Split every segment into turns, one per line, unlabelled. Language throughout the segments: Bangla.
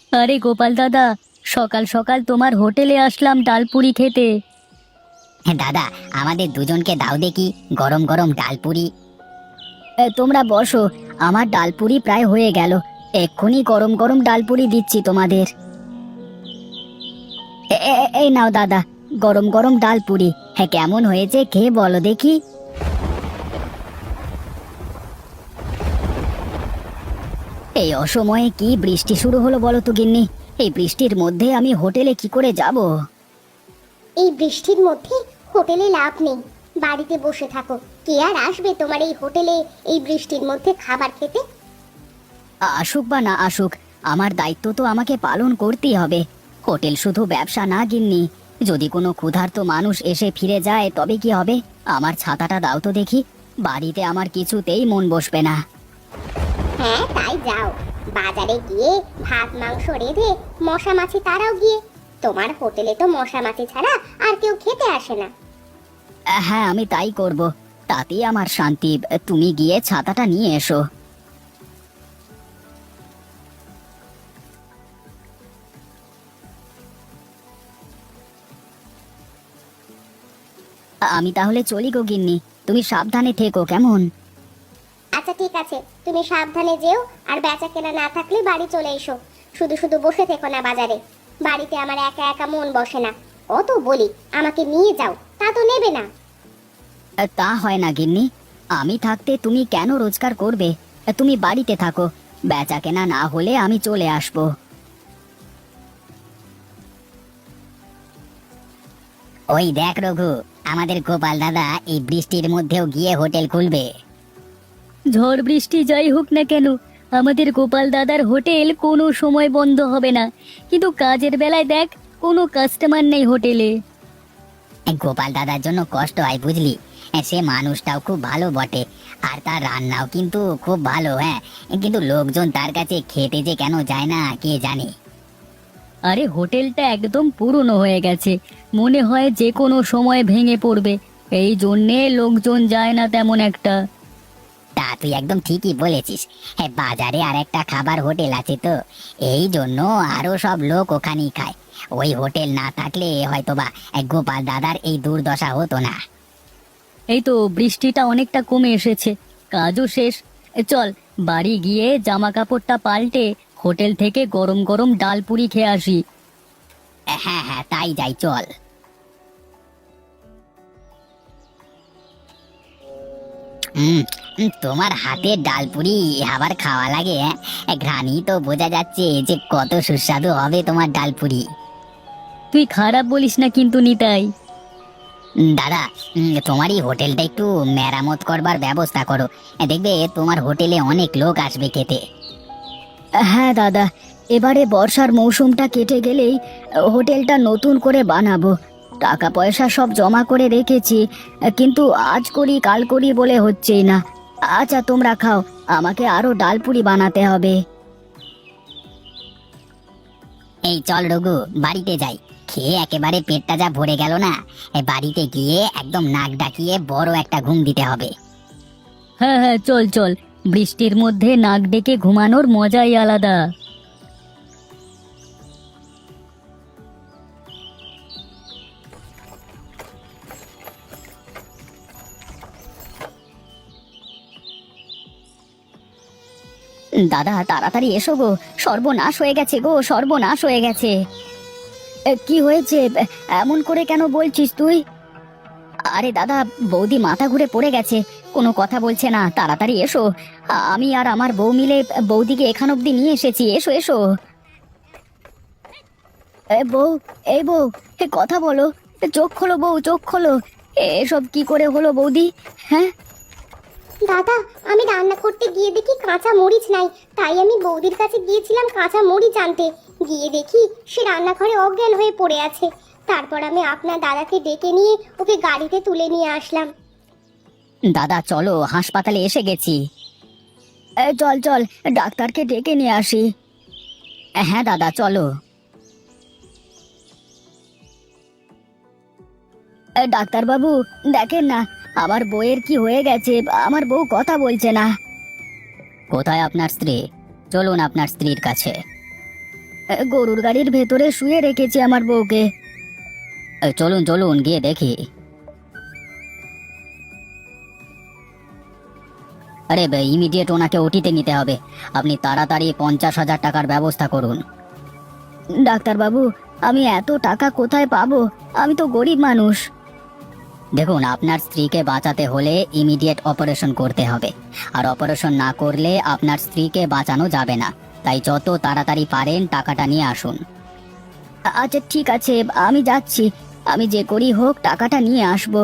আরে গোপাল দাদা, সকাল সকাল তোমার হোটেলে আসলাম ডালপুরি খেতে।
দাদা, আমাদের দুজনকে দাও দেখি গরম গরম ডালপুরি।
তোমরা বসো, আমার ডালপুরি প্রায় হয়ে গেল। এক্ষুনি গরম গরম ডালপুরি দিচ্ছি তোমাদের। এই নাও দাদা, গরম গরম ডালপুরি। হ্যাঁ, কেমন হয়েছে খেয়ে বলো দেখি। এই অসময়ে কি বৃষ্টি শুরু হলো বলো তো গিন্নি? এই বৃষ্টির মধ্যে আমি হোটেলে কি করে যাব?
এই বৃষ্টির মধ্যে হোটেলে লাভ নেই, বাড়িতে বসে থাকো। কে আর আসবে তোমার এই হোটেলে এই বৃষ্টির মধ্যে খাবার খেতে?
আসুক বা না আসুক, আমার দায়িত্ব তো আমাকে পালন করতেই হবে। হোটেল শুধু ব্যবসা না গিন্নি, যদি কোনো ক্ষুধার্ত মানুষ এসে ফিরে যায় তবে কি হবে? আমার ছাতাটা দাও তো দেখি, বাড়িতে আমার কিছুতেই মন বসবে না।
হ্যাঁ, তাই যাও, বাজারে গিয়ে ভাত মাংস রেঁধে মশা মাছি তারাও গিয়ে। তোমার হোটেলে তো মশা মাছি ছাড়া আর কেউ খেতে আসে না।
হ্যাঁ, আমি তাই করব, তাতেই আমার শান্তি। তুমি গিয়ে ছাতাটা নিয়ে এসো। আমি তাহলে চলি গো গিন্নি, তুমি সাবধানে থেকো কেমন?
আচ্ছা ঠিক আছে, তুমি সাবধানে যেও, আর বেচা কেনা না থাকলে বাড়ি চলে এসো। শুধু শুধু বসে থেকো না বাজারে, বাড়িতে আমার একা একা মন বসে না। অত বলি আমাকে নিয়ে যাও, তা তো নেবে না।
তা হয় না গিন্নি, আমি থাকতে তুমি কেন রোজগার করবে? তুমি বাড়িতে থাকো, বেচা কেনা না হলে আমি চলে আসবো।
ওই দেখ রঘু, আমাদের গোপাল দাদা এই বৃষ্টির মধ্যেও গিয়ে হোটেল খুলবে।
ঝড় বৃষ্টি যাই হোক না কেন, আমাদের গোপাল দাদার হোটেল কোনো সময় বন্ধ হবে না। কিন্তু কাজের বেলায় দেখ, কোনো কাস্টমার নেই হোটেলে।
গোপাল দাদার জন্য কষ্ট হয় বুঝলি, সে মানুষটাও খুব ভালো বটে, আর তার রান্নাও কিন্তু খুব ভালো। হ্যাঁ, কিন্তু লোকজন তার কাছে খেতে যে কেন যায় না কে জানে।
আরে হোটেলটা একদম পুরনো হয়ে গেছে, মনে হয় যে কোনো সময় ভেঙে পড়বে, এই জন্যে লোকজন যায় না তেমন একটা।
তা তুই একদম ঠিকই বলেছিস। হ্যাঁ, বাজারে আর একটা খাবার হোটেল আছে তো, এই জন্য আরো সব লোক ওখানেই খায়। ওই হোটেল না থাকলে হয়তোবা গোপাল দাদার এই দুর্দশা হতো না।
এই তো বৃষ্টিটা অনেকটা কমে এসেছে, কাজও শেষ। চল, বাড়ি গিয়ে জামা কাপড়টা পাল্টে হোটেল থেকে গরম গরম ডালপুরি খেয়ে আসি।
হ্যাঁ হ্যাঁ, তাই যাই, চল। হুম, তোমার হাতের ডালপুরি আবার খাওয়া লাগে? ঘ্রাণই তো বোঝা যাচ্ছে যে কত সুস্বাদু হবে তোমার ডালপুরি।
তুই খারাপ বলিস না কিন্তু নিতাই।
দাদা, তোমার এই হোটেলটা একটু মেরামত করবার ব্যবস্থা করো। দেখবে তোমার হোটেলে অনেক লোক আসবে খেতে।
হ্যাঁ দাদা, এবারে বর্ষার মৌসুমটা কেটে গেলেই হোটেলটা নতুন করে বানাবো। টাকা পয়সা সব জমা করে রেখেছি, কিন্তু আজ করি কাল করি বলে হচ্ছেই না। আচ্ছা তোমরা খাও, আমাকে আরো ডালপুরি বানাতে হবে।
এই চল রঘু, বাড়িতে যাই। খেয়ে একেবারে পেটটা যা ভরে গেল না, বাড়িতে গিয়ে একদম নাক ডাকিয়ে বড় একটা ঘুম দিতে হবে।
হ্যাঁ হ্যাঁ, চল চল, বৃষ্টির মধ্যে নাক ডেকে ঘুমানোর মজাই আলাদা। দাদা তাড়াতাড়ি এসো গো, সর্বনাশ হয়ে গেছে গো, সর্বনাশ হয়ে গেছে। কি হয়েছে? এমন করে কেন বলছিস তুই? আরে দাদা, বৌদি মাথা ঘুরে পড়ে গেছে, কোনো কথা বলছে না, তাড়াতাড়ি এসো। আমি আর আমার বউ মিলে বৌদিকে এখান অব্দি নিয়ে এসেছি, এসো এসো। বউ, এই বউ, কথা বলো, চোখ খোলো বউ, চোখ খোলো। এসব কি করে হলো বৌদি? হ্যাঁ,
দাদা, আমি রান্না করতে গিয়ে দেখি কাঁচা মরিচ নাই, তাই আমি বৌদির কাছে গিয়েছিলাম কাঁচা মরিচ আনতে। গিয়ে দেখি সে রান্নাঘরে অজ্ঞান হয়ে পড়ে আছে। তারপর আমি আপনার দাদাকে ডেকে নিয়ে ওকে গাড়িতে তুলে নিয়ে আসলাম।
দাদা চলো, হাসপাতালে এসে গেছি। চল চল, ডাক্তারকে ডেকে নিয়ে আসি। হ্যাঁ দাদা চলো। ডাক্তার বাবু, দেখেন না আমার বউয়ের কি হয়ে গেছে, আমার বউ কথা বলছে না। কোথায় আপনার স্ত্রী? চলুন আপনার স্ত্রীর কাছে। গরুর গাড়ির ভেতরে শুয়ে রেখেছি আমার বউকে।
চলুন চলুন গিয়ে দেখি। আরে ইমিডিয়েট ওনাকে ওটিতে নিতে হবে। আপনি তাড়াতাড়ি 50,000 টাকার ব্যবস্থা করুন।
ডাক্তারবাবু, আমি এত টাকা কোথায় পাবো? আমি তো গরিব মানুষ।
দেখুন, আপনার স্ত্রীকে বাঁচাতে হলে ইমিডিয়েট অপারেশন করতে হবে, আর অপারেশন না করলে আপনার স্ত্রীকে বাঁচানো যাবে না। তাই যত তাড়াতাড়ি পারেন টাকাটা নিয়ে আসুন।
আচ্ছা ঠিক আছে, আমি যাচ্ছি। আমি যে করি হোক টাকাটা নিয়ে আসবো।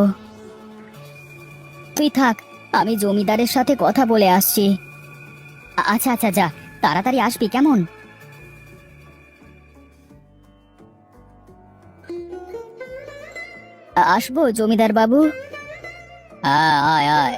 তুই থাক, আমি জমিদারের সাথে কথা বলে আসছি।
আচ্ছা আচ্ছা, যা তাড়াতাড়ি আসবি কেমন?
আসবো জমিদার বাবু।
আয় আয়।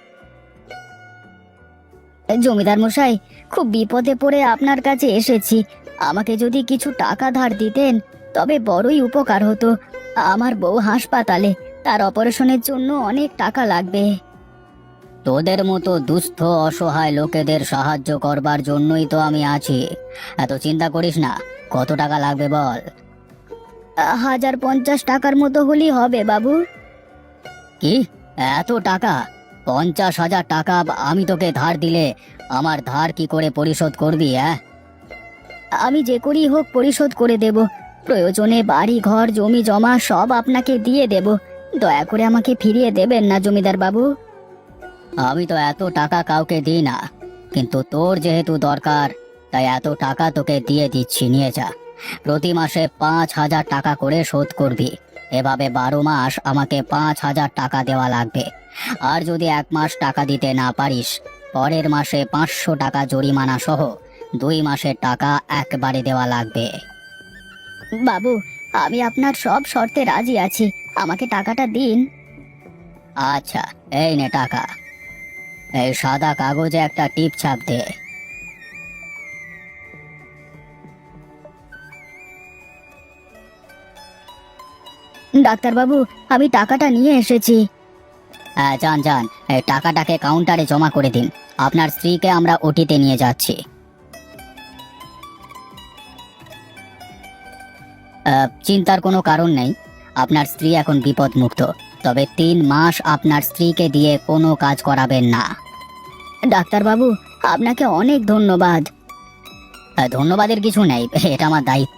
জমিদার মশাই, খুব বিপদে পড়ে আপনার কাছে এসেছি। আমাকে যদি কিছু টাকা ধার দিতেন তবে বড়ই উপকার হতো। আমার বউ হাসপাতালে, তার অপারেশনের জন্য অনেক টাকা লাগবে।
তোদের মতো দুস্থ অসহায় লোকেদের সাহায্য করবার জন্যই তো আমি আছি। এত চিন্তা করিস না। কত টাকা লাগবে বল?
1050 টাকার মতো হলেই হবে বাবু।
কি, এত টাকা? 50,000 টাকা আমি তোকে ধার দিলে আমার ধার কি করে পরিশোধ করবি?
আমি যে করেই হোক পরিশোধ করে দেব। প্রয়োজনে বাড়ি ঘর জমি জমা সব আপনাকে দিয়ে দেব। দয়া করে আমাকে ফিরিয়ে দেবেন না জমিদার বাবু।
আমি তো এত টাকা কাউকে দিই না, কিন্তু তোর যেহেতু দরকার তাই এত টাকা তোকে দিয়ে দিচ্ছি, নিয়ে যা। প্রতি মাসে 5,000 টাকা করে শোধ করবি। এভাবে 12 মাস আমাকে 5,000 টাকা দেওয়া লাগবে। আর যদি 1 মাস টাকা দিতে না পারিস, পরের মাসে 500 টাকা জরিমানা সহ 2 মাসের টাকা একবারে দেওয়া লাগবে।
বাবু, আমি আপনার সব শর্তে রাজি আছি, আমাকে টাকাটা দিন।
আচ্ছা, এই নে টাকা। এই সাদা কাগজে একটা টিপ ছাপ দে।
ডাক্তারবাবু, আমি টাকাটা নিয়ে এসেছি।
হ্যাঁ, যান যান, এই টাকাটাকে কাউন্টারে জমা করে দিন। আপনার স্ত্রীকে আমরা ওটিতে নিয়ে যাচ্ছি। চিন্তার কোনো কারণ নেই। আপনার স্ত্রী এখন বিপদমুক্ত। তবে 3 মাস আপনার স্ত্রীকে দিয়ে কোনো কাজ করাবেন না।
ডাক্তারবাবু, আপনাকে অনেক ধন্যবাদ।
ধন্যবাদের কিছু নেই, এটা আমার দায়িত্ব।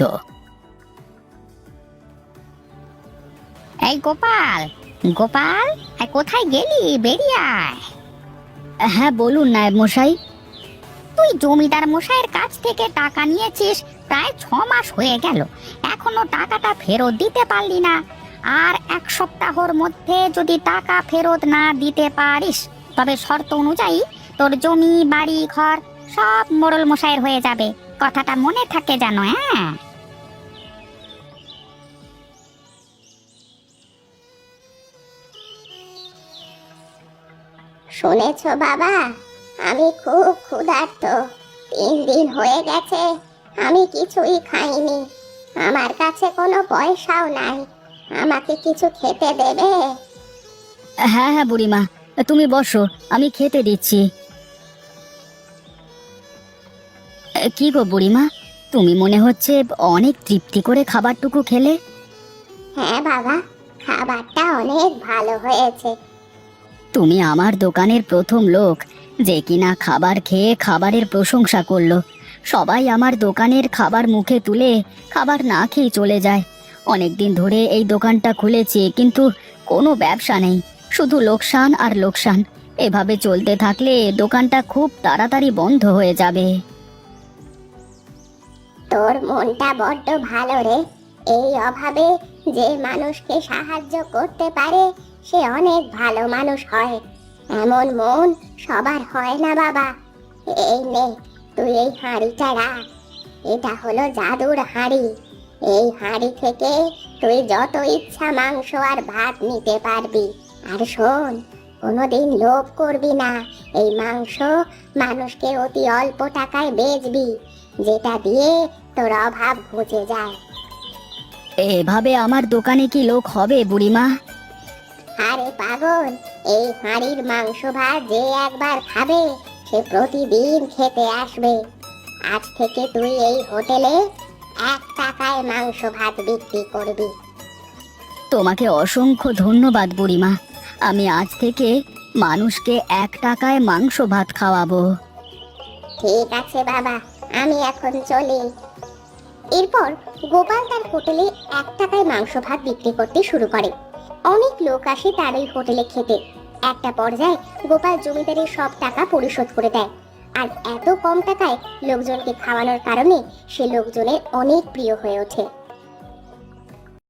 এই গোপাল, গোপাল, কোথায় গেলি? বেরিয়ে আয়।
হ্যাঁ বলুন নায়েব মশাই।
তুই জমিদার মশাইয়ের কাছ থেকে টাকা নিয়েছিস, প্রায় 6 মাস হয়ে গেল, এখনো টাকাটা ফেরত দিতে পারলি না। আর 1 সপ্তাহর মধ্যে যদি টাকা ফেরত না দিতে পারিস তবে শর্ত অনুযায়ী তোর জমি বাড়ি ঘর সব মোড়ল মশাইয়ের হয়ে যাবে। কথাটা মনে থাকে জানো? হ্যাঁ।
শুনেছো বাবা, আমি খুব ক্ষুধার্ত। 3 দিন হয়ে গেছে আমি কিছুই খাইনি। আমার কাছে কোনো পয়সাও নাই। আমাকে কিছু খেতে দেবে?
হ্যাঁ হ্যাঁ বুড়িমা, তুমি বসো, আমি খেতে দিচ্ছি। কি গো বুড়িমা, তুমি মনে হচ্ছে অনেক তৃপ্তি করে খাবারটুকু খেলে।
হ্যাঁ বাবা, খাবারটা অনেক ভালো হয়েছে।
তুমি আমার দোকানের প্রথম লোক যে কিনা খাবার খেয়ে খাবারের প্রশংসা করলো। সবাই আমার দোকানের খাবার মুখে তুলে খাবার না খেয়ে চলে যায়। অনেকদিন ধরে এই দোকানটা খুলেছি, কিন্তু কোনো ব্যবসা নেই, শুধু লোকসান আর লোকসান। এভাবে চলতে থাকলে দোকানটা খুব তাড়াতাড়ি বন্ধ হয়ে যাবে।
তোর মনটা বড্ড ভালো রে। এই অভাবে যে মানুষকে সাহায্য করতে পারে সে অনেক ভালো মানুষ হয়। এমন মন সবার হয় না বাবা। এই নে, তুই এই হাঁড়িটা রাখ। এটা হলো জাদুর হাঁড়ি। এই হাঁড়ি থেকে তুই যত ইচ্ছা মাংস আর ভাত নিতে পারবি। আর শোন, কোনোদিন লোভ করবি না। এই মাংস মানুষকে অতি অল্প টাকায় বেচবি, যেটা দিয়ে তোর অভাব ঘুচে যায়।
এভাবে আমার দোকানে কি লোক হবে বুড়িমা?
আরে পাগল, এই হাঁড়ির মাংস ভাত যে একবার খাবে সে প্রতিদিন খেতে আসবে। আজ থেকে তুই এই হোটেলে 1 টাকায় মাংস ভাত বিক্রি করবি।
তোমাকে অসংখ্য ধন্যবাদ বুড়িমা। আমি আজ থেকে মানুষকে 1 টাকায় মাংস ভাত খাওয়াবো।
ঠিক আছে বাবা, আমি এখন চলি। এরপর গোপাল তার হোটেলে 1 টাকায় মাংস ভাত বিক্রি করতে শুরু করে। অনেক লোক আসে তার ওই হোটেলে খেতে। একটা পর্যায়ে গোপাল জমিদারের সব টাকা পরিশোধ করে দেয়। আর এত কম টাকায় লোকজনকে খাওয়ানোর কারণে সে লোকজনের অনেক প্রিয় হয়ে ওঠে।